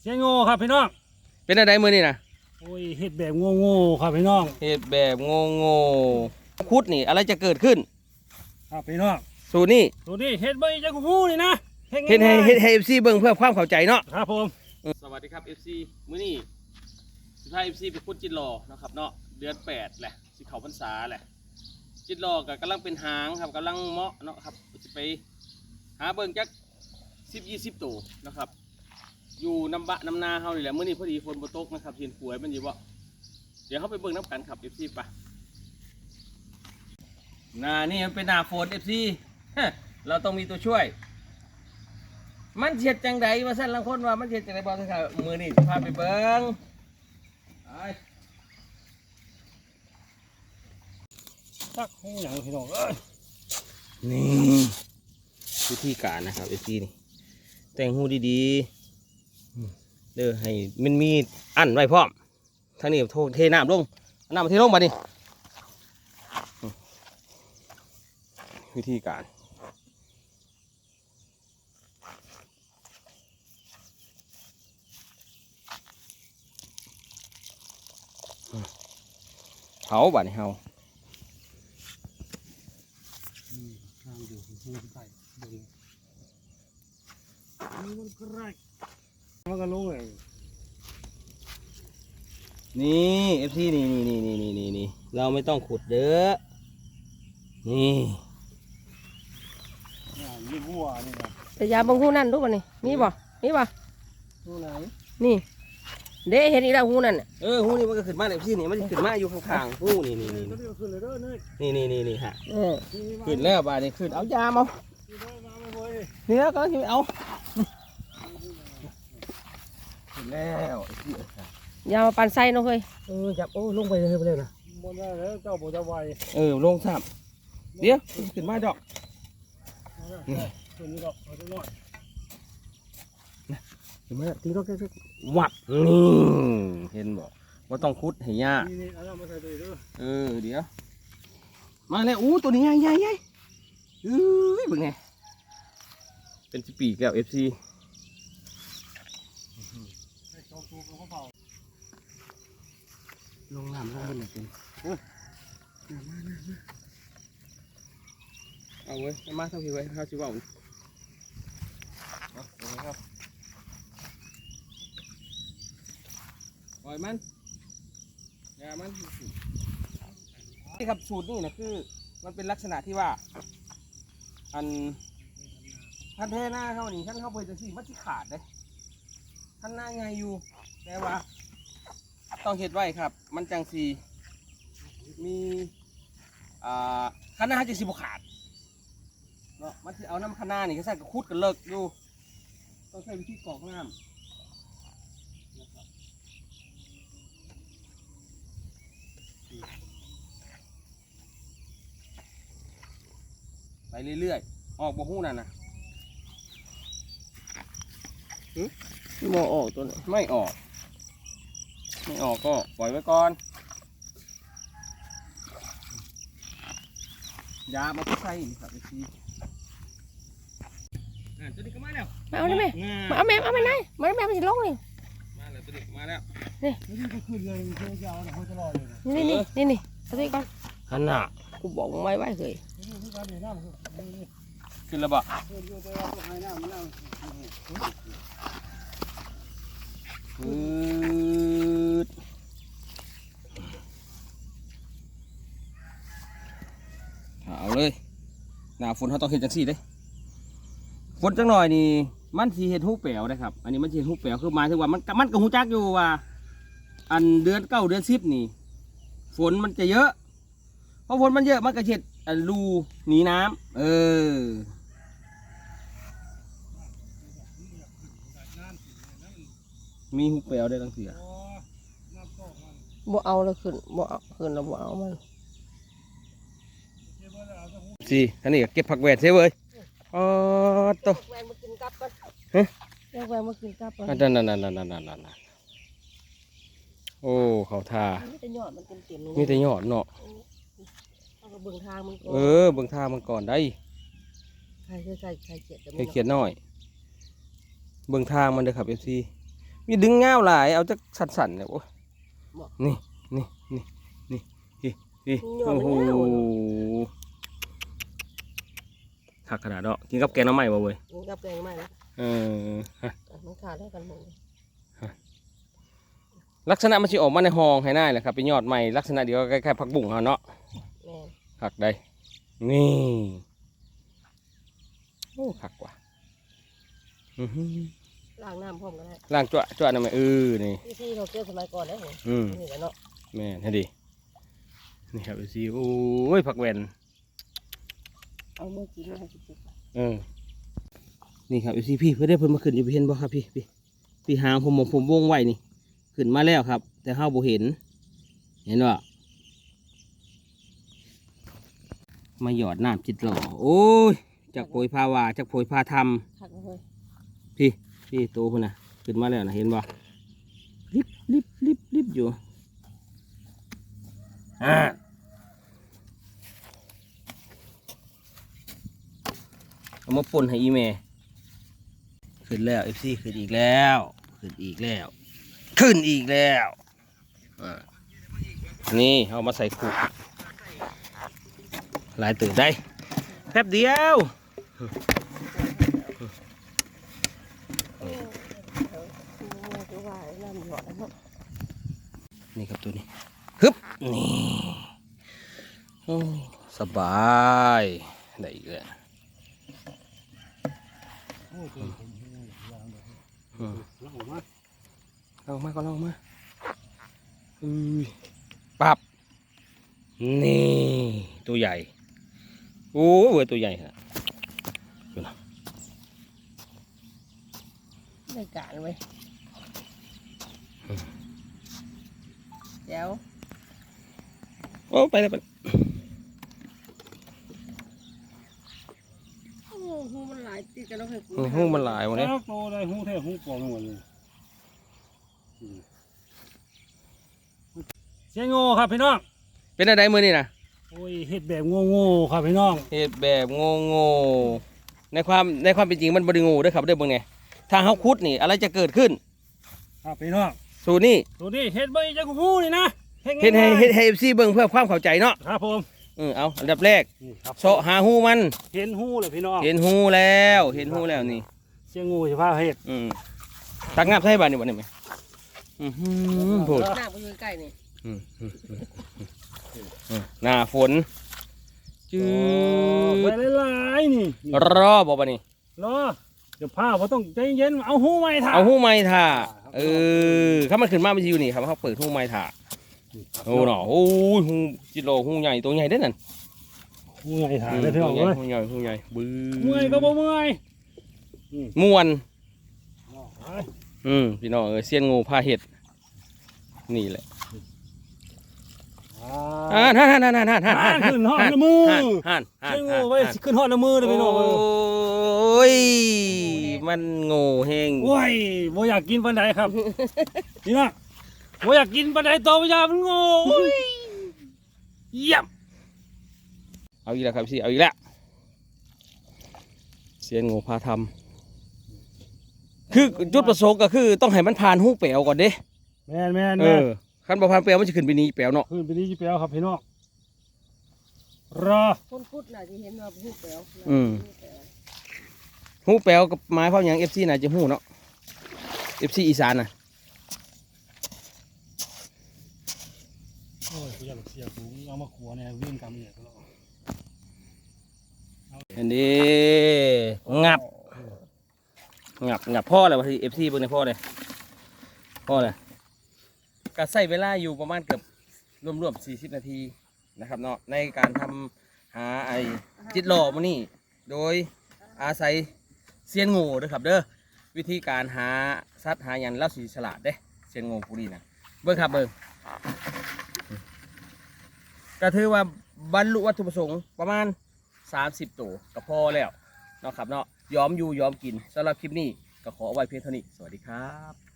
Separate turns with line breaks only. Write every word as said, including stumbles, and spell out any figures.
เสียงโง่ครับพี่น้อง
เป็นอะไรมือนี่นะ
โอ้ยเฮ็ดแบบโง่ๆครับพี่น้อง
เฮ็ดแบบโง่โง่คุดนี่อะไรจะเกิดขึ้น
ครับพี่น้อง
สูตรนี่
สูตรนี้เฮ็ดบ่จะงูนี่นะ
เฮ็ดให้เฮ็ดให้ เอฟ ซี เบิ่งเพื่อความเข้าใจเนาะ
ครับผม
สวัสดีครับ เอฟ ซี มื้อนี้สุดท้าย เอฟ ซี ไปคุดจิตรอเนาะครับเนาะเดือนแปดแหละสิเข้าพรรษาแหละจิตรอก็กำลังเป็นหางครับกำลังเหมาะเนาะครับสิไปหาเบิ่งจักสิบ ยี่สิบตัวนะครับอยู่น้ำบะน้ำนาเฮานี่แหละมื้อนี้พอดีฝนบ่ตกนะครับเห็นป่วยมันอยู่บ่เดี๋ยวเฮาไปเบิ่งน้ำกันครับ เอฟ ซี ป่ะหน้านี่มันเป็นหน้าฝน เอฟ ซี เราต้องมีตัวช่วยมันเฉียดจังใดมาสั่นลังคนว่ามันเฉียดจังใดบอกสิครับมือนี่พาไปเบิ้ง
ตักให้หยังพี่น้องเอ้ย
นี่วิธีการนะครับเอฟซีนี่แต่งหูดีๆเด้อให้มันมีอันไว้พร้อมทางนี้โทเทน้ำลงน้ำมาเทลงมาดิวิธีการเผาบ้านเฮา
ทางอยู่ที่ใต้เบิ่งมันก็ไรมันก็ลงเลย
นี่เอฟซีนี่นี่นี่นี่นี่นี่เราไม่ต้องขุดเด้อนี่
ยี่บัวนี่นะ
แต่ยาบางหูนั่นรู้ป่ะนี่มีบ่มีบ่
หูไหน
นี่เด้เห็นอีกแล้วหูนั่น
เออหูนี่มันก็ขึ้นมาเอฟซีนี่มันขึ้นมาอยู่ข้างๆหูนี่นี่นี่นี่นี่นี่นี่ฮะ
เออ
ขึ้นแล้วบ้านนี้ขึ้นเอายามานี่แล้วก็เอาขึ้นแล้ว
ยามาปั่นไส้เนาะเฮ้ย
เออจับโอ้ลงไปเลยไปเลยนะ
บนได้แล้วเจ้าบ่จะไว
เออลงซ้ำเดี๋ยวขึ้นมาดอก
ขึ้นนี่ดอกเอาจังหน่อย
ขึ้นมาตีดอกแค่วัดนี่เห็นบ่ว่าต้องคุดให้ยา
นี่ๆเอามาใส่ด้วยเด้อ
เออเดี๋ยวมาแล้วอู้ตัวนี้ใหญ่ใหญ่ใหญ่เอ้ยเป็นไงเป็นสิปีแก้วเอฟซีลงน้ำลงบนหน่อยเป็นเอาเว้ยมาเท่าพี่ไว้เท่าชิวเอาครับปล่อยมันอย่ามันนี่ครับสูตรนี่นะคือมันเป็นลักษณะที่ว่าอันท่านเทหน้าเขานี่ท่านเข้าไปจะสิมันสิขาดเลยท่านหน้าไงอยู่แต่ว่าต้องเห็ดไว้ครับมันจังสีมีอ่าข้างหน้าจะสิบขาดเนาะมันจะเอาน้ำข้างหน้านี่ก็ใส่กระคุดกันเลิกอยู่ต้องใช้วิธีกรอกน้ำไปเรื่อยๆออกบ่หู้นั่นนะ
โมออกตัวนี้
ไม่ออกไม่ออกก็ปล่อยไว้ก่อนยามาใส่ครับไอ้ทีอ่าตัวนี้ก็มาแล้ว
มาเอาได้ไหมมาเอาแม่เอาแม่ไหนมาแม่มันจะลงนี่
มาแล้วตัวนี้มาแล้ว
นี่
นี่ก็ขึ้นเลยเจ้าจะเอาเขาจะรอเลย
นี่นี่นี่นี่เอาตัวนี้ก่อน
ขนาด
กูบอกมึงไว้ไว้เคย
ขึ้นแล้วบ่อืดเอาเลยหน้าฝนเขาต้องเห็นจังสี่เลยฝนจังหน่อยนี่มันสีเห็ดหูแป๋วนะครับอันนี้มันสีเห็ดหูแป๋วคือหมายถึงว่ามันมันกับหูจักอยู่ว่าอันเดือนเก้าเดือนสิบนี่ฝนมันจะเยอะเพราะฝนมันเยอะมันก็เห็ดรูหนีน้ำเออมีหูแป๋วได้ตั้งเสีย
บ่เอาแล้วขึ้นบ่เอาขึ้นแล้วบ่เอามัน
สิอันนี้เก็บผักแหวนใช่เว้ยอ๋อโต
แหวนมากินกับก่อน
ฮะ
แหวนมากินกับก่อน
นั่นนั่นนั่นนั่นนั่นนั่นโอ้เขาทา
มีแต่ยอดมันเต็มๆ
มีแต่ยอดเนาะ
เบิ่งทางมันก่อน
เออเบิ่งทางมันก่อนได้
ใครใครใครเขียด
ใครเขียดน้อยเบิ่งทางมันเด้อครับเอฟซีมีดึงเงาหลายเอาจักสั่นๆเนี่ยโอ้ยนี่นี่นี่นี่นี่นี่โอ้โหหักขนาดเนาะกินกับแกงน้ำใหม่บ่เว้ย
กินกับแกงใหม่นะ
เออฮะ
มันขาดได้กันหมดเลย
ลักษณะมันสิออกมาในห้องให้ได้แหละครับเป็นยอดใหม่ลักษณะเดียวคล้ายๆผักบุ้งเฮาเนาะ
แม่น
หักได้นี่โอ้หักกว่าอื้อหือ
ล้างน้ำพร้อมกันได้
ล่างจ้วจ้วนั่นไหมเออนี่
พี่ที่เขาเกี่ยวสมัยก่อนได้เหรอ
อืม
นี่แหละเนาะ
แม่นให้ดีนี่ครับดูสิโอ้ยผักแวน
เอาเมื่อกี้มาให้กิน
เออนี่ครับดูสิพี่เพื่อได้เพิ่นมาขึ้นอยู่เห็นบ่ครับพี่พี่พี่หางผมผมผมวงไว้นี่ขึ้นมาแล้วครับ แต่เฮาบ่เห็นเห็นบ่มาหยอดน้ำจิตหล่อโอ้ยจากโผยพาวาจากโผยพาทำ
ทักเลย
พี่พี่โตพุ่นนะขึ้นมาแล้วนะเห็นบ่ลิบลิบลิบลิบอยู่อ่าเอามาป่นให้อีเมขึ้นแล้วเอฟซีขึ้นอีกแล้วขึ้นอีกแล้วขึ้นอีกแล้วอ่านี่เอามาใส่ขุหลายตื่นได้แป๊บเดียว
คือว่าน้ำหยอดแล้วเนาะ
นี่ครับตัวนี้ฮึบนี่โอ้สบายได้อีกแล้ว
โอ้ยผมผมผมวางเลย
อืม
แล้วออกมา
ลองมาก็ลองมาอือปับนี่ตัวใหญ่โอ้เว้ยตัวใหญ่ฮะดูนะ
ได้การไว้เดี๋ยว
โอ้ไปเลยไปเลย
โอ้โหมันหลายติดกันแล้วเคย
โอ้โหมันหลายวันนี้
แล้วโตได้หูแท้หูปลอมหมดเลยอืมเสียงโง่ครับพี่น้อง
เป็นอะไรมือนี่นะ
โอ้ยเฮ็ดแบบโง่ๆครับพี่น้อง
เหตุแบบโง่โง่ในความในความเป็นจริงมันบริงูเด้วยครับเด้อเบิ่งไงถ้าเขาคุดนี่อะไรจะเกิดขึ้น
ครับพี่น้อง
สูตรนี่
ตัวนี้เฮ็ดใบจังหูนี่นะ
เฮ็ดให้เฮ็ดให้เอฟซีเบิ่งเพื่อความเข้าใจเนาะ
ครับผม
เออเอาอันดับแรก
นี่ครับ
เสาะหาหูมัน
เห็นหูเลยพี่น้อง
เห็นหูแล้วเห็นหูแล้วนี่
เสียงงูสิพาเฮ็ด
อืมตักงาบใส่บ้านนี่บ่ได้ไหมอือหือโผด
หน้าไปอยู่ใกล้นี่
อืมอืมอืมอืมหน้าฝนจื
ไป
ด
หลายๆนี่
รอบ่บ่นี่
รอเดี๋ยวพาบ่ต้องใจเย็นเอาหูไม้ถ่า
เอาหูไม้ถ่าเออถ้ามันขึ้นมามันสิอยู่นี่ครับเขาเปิดหูไม้ถ่าโอ้เนาะโอ้ยหูจิโลหูใหญ่ตัวใหญ่เด้อนั่น
หูไม้ถ่าได้พี่น้อง
หูใหญ่
เอ้ย
หูใหญ่หูใหญ่บื้อ
เมื่อยก็บ่เมื่อย
ม่วน
ไป
อืมพี่น้องเออเซียนงูพาเห็ดนี่แหละ
อ่า
อ่าฮ่านฮ่านฮ่านฮ่านฮ่านฮ่าน
ขึ้นฮอดละมือ
ฮ่านฮ่านฮ่าน
เสียงงูไว้สิขึ้นฮอดละมือเลยพี่น้อง
โอ้ยมันโง่เฮง
โอ้ยบ่อยากกินปานใดครับนี่นะบ่อยากกินปานใดโตบ่อยากมันโง่โอ้ยเยี่ยม
เอาอีกแล้วครับพี่เอาอีกแล้วเซียนงูพาทำคือจุดประสงค์ก็คือต้องให้มันผ่านหูเปลวก่อนเด้
แม่นแม่น
เอ
แม่น
อคันบ่ผ่านเปลวมันจะขึ้นไปนี้เปลวเนาะ
ขึ้นไปนี่จิแปลวครับพี่น้องรอ
คนพูดน่ะจะเห็นว่าพูดแปลว
หูเปลวกับไม้ความอย่างเอฟซีน่าจะหูเนาะเอฟซีอีสานน่ะ
โอ้ยกูอยากเสียกูเอามาขัวเนี่ยวิ่งกำเนี่ยตลอด
อันนี้งับงับงับพ่อเลยวะที่เอฟซีเบิ่งในพ่อเลยพ่อเลยก็ใช้เวลาอยู่ประมาณเกือบรวมๆสี่สิบนาทีนะครับเนาะในการทำหาไอ้จิตหล่อมานี่โดยอาศัยเซียนงูเด้อครับเด้อวิธีการหาสัตว์หาอย่างเล่าสีฉลาดเด้เซียนงูผู้นี้นะเบิ่งครับเบิ่งก็ถือว่าบรรลุวัตถุประสงค์ประมาณสามสิบตัวก็พอแล้วเนาะครับเนาะยอมอยู่ยอมกินสำหรับคลิปนี้ก็ขอเอาไว้เพียงเท่านี้สวัสดีครับ